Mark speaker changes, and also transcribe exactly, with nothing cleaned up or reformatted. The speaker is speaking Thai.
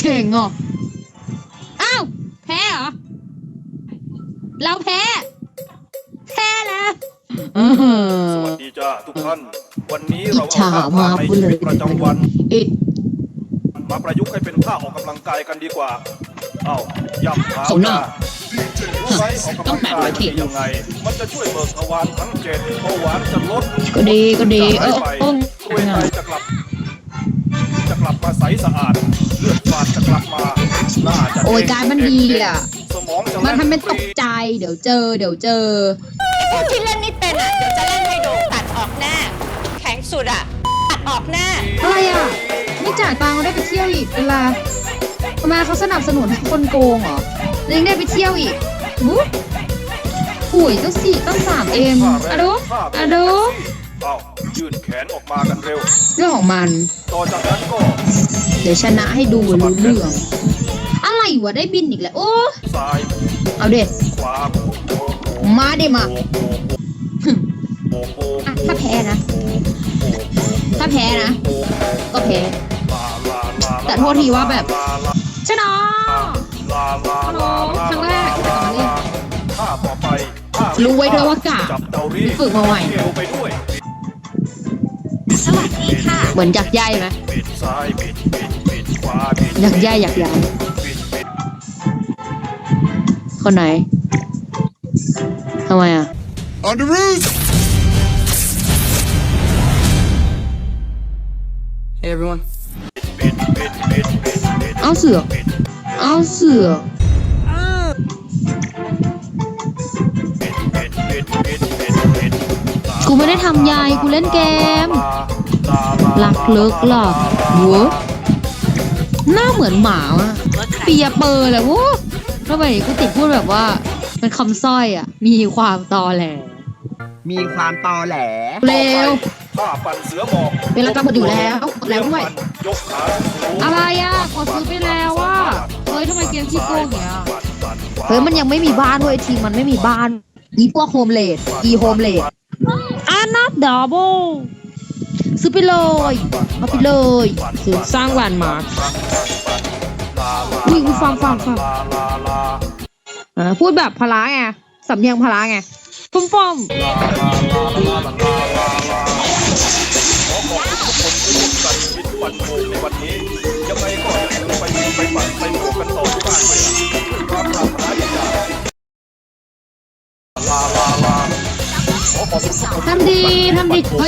Speaker 1: เก่งอ่ะอ้าวแพ้เหรอเราแพ้แพ้แล้ว
Speaker 2: สวัสดีจ้าทุกท่านวันนี้เราเอาท่าทางในชีวิตประจำวันมาประยุกต์ให้เป็นท่าออกกำลังกายกันดีกว่าเอ้าย่ำเท้าจ้ารู้ไหมออกกำลังกายเป็นยังไงมันจะช่วยเบิกทวารทั้งเจ็ดเบาหวานจะลด
Speaker 1: ก็ดีก็ดีเออ
Speaker 2: รวยไตจะกลับจะกลับมาใสสะอาดเลือดฝาดจะกลับมาหน้าจะ
Speaker 1: โอ้ยการมันดีอ่ะ
Speaker 2: สมองจะ
Speaker 1: มันทำเป็นตกใจเดี๋ยวเจอเดี๋ยวเจอ
Speaker 3: พวกที่เล่นไม่เป็นอ่ะเดี๋ยวจะเล่นให้ดูตัดออกหน้าแข็งสุดอ่ะตัดออกหน้า
Speaker 1: อะไรอ่ะไม่จ่ายตังค์ได้ไปเที่ยวอีกเวลาทำไมเขาสนับสนุนให้คนโกงเหรอยังได้ไปเที่ยวอีกบุ๊บหุยต้องสี่ต้องสามเอ็มอะดูอะดู
Speaker 2: เอายื่นแขนออกมากันเร็ว
Speaker 1: เรื่องของมัน
Speaker 2: ต่อจากนั้นก็
Speaker 1: เดี๋ยวชนะให้ดูรู้เรื่องอะไรวะได้บินอีกแล้วโอ้เอาเด็ดมาเด็มาถ้าแพ้นะถ้าแพ้นะก็แพ้แต่โทษทีว่าแบบชนะฮัลโหลครั้งแรกรู้ไว้ด้วยว่ากะฝึกมาใหม่
Speaker 3: สวัสดีค่ะ
Speaker 1: เหมือนยักษ์ใหญ่ไหมยักษ์ใหญ่ยักษ์ใหญ่คนไหนทำไมอ่ะ
Speaker 4: On the roof Hey everyone
Speaker 1: เอาเสือเอาเสือกูไม่ได้ทำยายกูเล่นเกมลักเลิกหรอวัวหน้าเหมือนหมาอ่ะเปียเปอร์แหละวู้ทำไมกูติดพูดแบบว่าเป็นคำสร้อยอ่ะมีความตอแหล
Speaker 4: มีความตอแหล
Speaker 1: เร็ว
Speaker 2: ผ้าปั่นเสือหมอบ
Speaker 1: เวลากำหนดอยู่แล้วแล้วด้วยอะไรอ่ะขอซื้อไปแล้วว่าเฮ้ยทำไมเกมขี้โกงอย่างเงี้ยเฮ้ยมันยังไม่มีบ้านด้วยทีมันไม่มีบ้านอีพวกโฮมเลดอีโฮมเลดอ่ะนับดับเบิลซื้อไปเลยเอาไปเลยซื้อสร้างแลนด์มาร์ควิ่งฟังฟังฟังพูดแบบพละไงสำเนียงพละไงฟุ้มฟ้อม
Speaker 2: วันโมในวันนี้ยังไงก็อย่าลืมไปไปปั่นไปโมกันต่อที่บ้านเลยความปรารถนาดีจ้าลาลาลาขอขอบคุณทุกคน
Speaker 1: ทำดีทำดี